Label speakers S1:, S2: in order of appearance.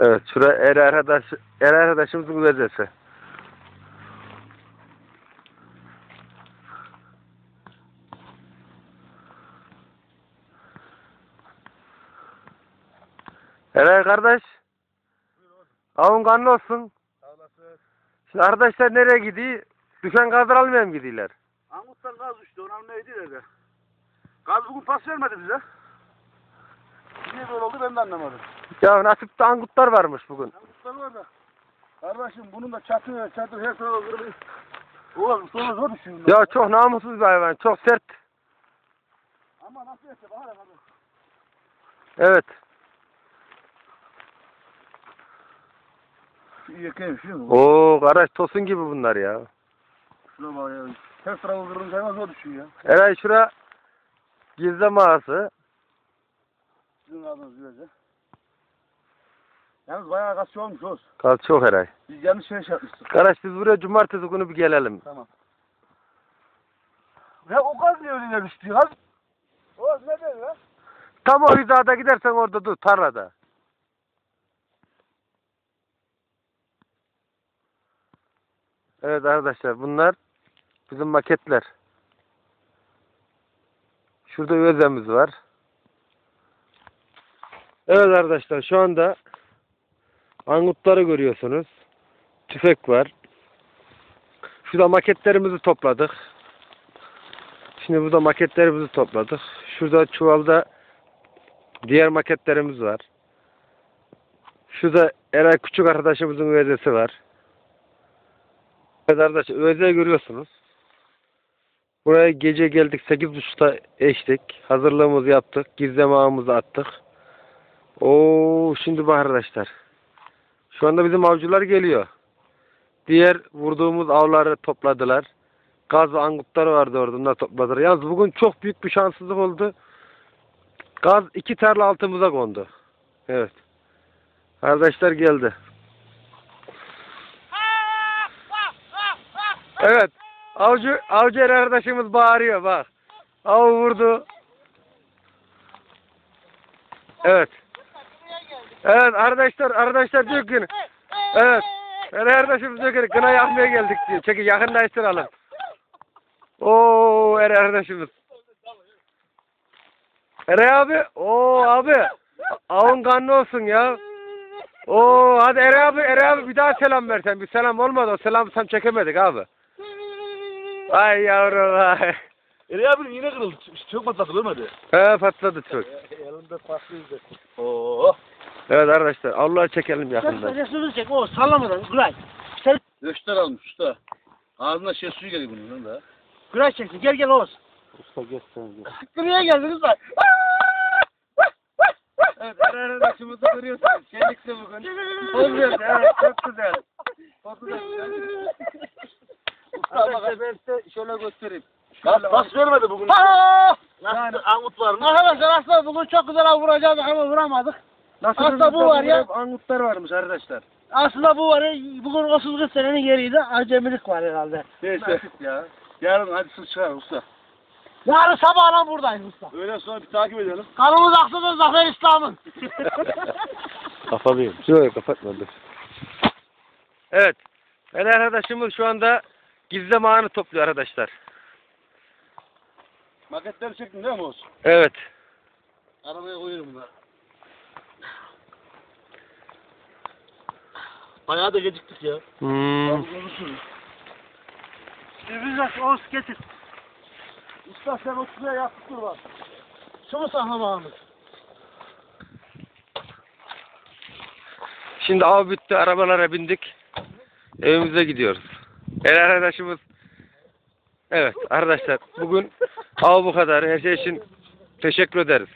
S1: Evet, şura er arkadaşımızın vezesi. Eray kardeş, avun kanlı olsun.
S2: Sağ olasın.
S1: Şimdi arkadaşlar nereye gidiyor? Düşen gazlar almaya mı gidiyorlar?
S2: Angut'tan gaz uçtu, onu almaya gidiyorlar da. Gaz bugün pas vermedi bize. Niye böyle oldu ben de anlamadım.
S1: Ya nasipte angutlar varmış bugün.
S2: Angutlar var da. Kardeşim bunun da çatı her tarafı kırılıyor. Oğlum sonra zor düşüyor.
S1: Ya çok namussuz bir hayvan, çok sert.
S2: Ama nasıl yapsa bahar abi.
S1: Evet.
S2: Şu yakayım şu mu?
S1: Oo kardeş tosun gibi bunlar ya.
S2: Şuna bak ya. Her tarafı kırılınca hemen zor düşüyor ya.
S1: Eray şura gizli mağarası.
S2: Sizin adınız güzelce. Yalnız bayağı gaz olmuş olsun.
S1: Gaz çok Eray.
S2: Biz yanlış şey yapmıştık.
S1: Kardeş biz buraya cumartesi günü bir gelelim.
S2: Tamam. Ya o gaz niye öyle düştü ya? O gaz ne dedi ya?
S1: Tam o hizada gidersen orada dur tarlada. Evet arkadaşlar bunlar bizim maketler. Şurada özemiz var. Evet arkadaşlar şu anda angutları görüyorsunuz. Tüfek var. Şurada maketlerimizi topladık. Şimdi burada maketlerimizi topladık. Şurada çuvalda diğer maketlerimiz var. Şurada Eray küçük arkadaşımızın üvezesi var. Evet arkadaşlar üvezeyi görüyorsunuz. Buraya gece geldik 8.30'da eştik. Hazırlığımızı yaptık. Gizleme ağımızı attık. Oo şimdi bak arkadaşlar. Şu anda bizim avcılar geliyor. Diğer vurduğumuz avları topladılar. Gaz ve angutlar vardı orada. Onlar topladılar. Yalnız bugün çok büyük bir şanssızlık oldu. Gaz 2 tarla altımıza kondu. Evet. Arkadaşlar geldi. Evet. Avcı arkadaşımız bağırıyor bak. Av vurdu. Evet. Evet arkadaşlar diyor ki evet. Arkadaşımız diyor ki kına yakmaya geldik diyor. Çekil yakınlaştıralım. Oo arkadaşımız. Eray abi. Oo abi. Avun kanlı olsun ya. Oo hadi Eray abi bir daha selam versen. Bir selam olmadı o selamı tam çekemedik abi. Ay yavrum ay.
S2: abi yine kırıldı. Çok patladı ölmedi.
S1: He patladı çok.
S2: Elinde patlıydı. Oo.
S1: Evet arkadaşlar Allah'ı çekelim yakından.
S3: Resmini çek o sallamadan Güray. Sen
S2: Göster almış usta. Ağzına şey suyu geliyor bunun da.
S3: Güray çeksin gel Oğuz.
S1: Usta göster.
S3: Nereye geldiniz lan?
S1: Evet arkadaşımızı görüyorsunuz. Şenlikli bugün. Oluyor evet çok güzel. Çok güzel. Usta bak ben size şöyle göstereyim.
S2: Bas vermedi bugün.
S3: Yani Angut var mı? Arkadaşlar aslında bugün çok güzel av vuracaktık ama vuramadık. Aslında bu var ya.
S1: Angutlar varmış arkadaşlar.
S3: Aslında bu var ya. Bugün 30-40 senenin yeriydi. Acemilik var herhalde.
S2: Neyse. Ya. Yarın hadi siz çıkar usta.
S3: Yarın sabahla buradayız usta.
S2: Öğlen sonra bir takip edelim.
S3: Kanımız aksıdır Zafer İslam'ın.
S1: Kapalıyım. Yok kapatmadım. Evet. Ben arkadaşımız şu anda gizleme ağını topluyor arkadaşlar.
S2: Maketleri çektin değil mi Oğuz?
S1: Evet.
S2: Arabaya koyuyorum bunları.
S3: Bayağı da geciktik ya. Biz Oğuz getir.
S2: Usta sen o şuraya yaptık dur bak.
S3: Şunu saklamağımız.
S1: Şimdi av bitti. Arabalara bindik. Evimize gidiyoruz. Arkadaşımız. Evet arkadaşlar bugün av bu kadar. Her şey için teşekkür ederiz.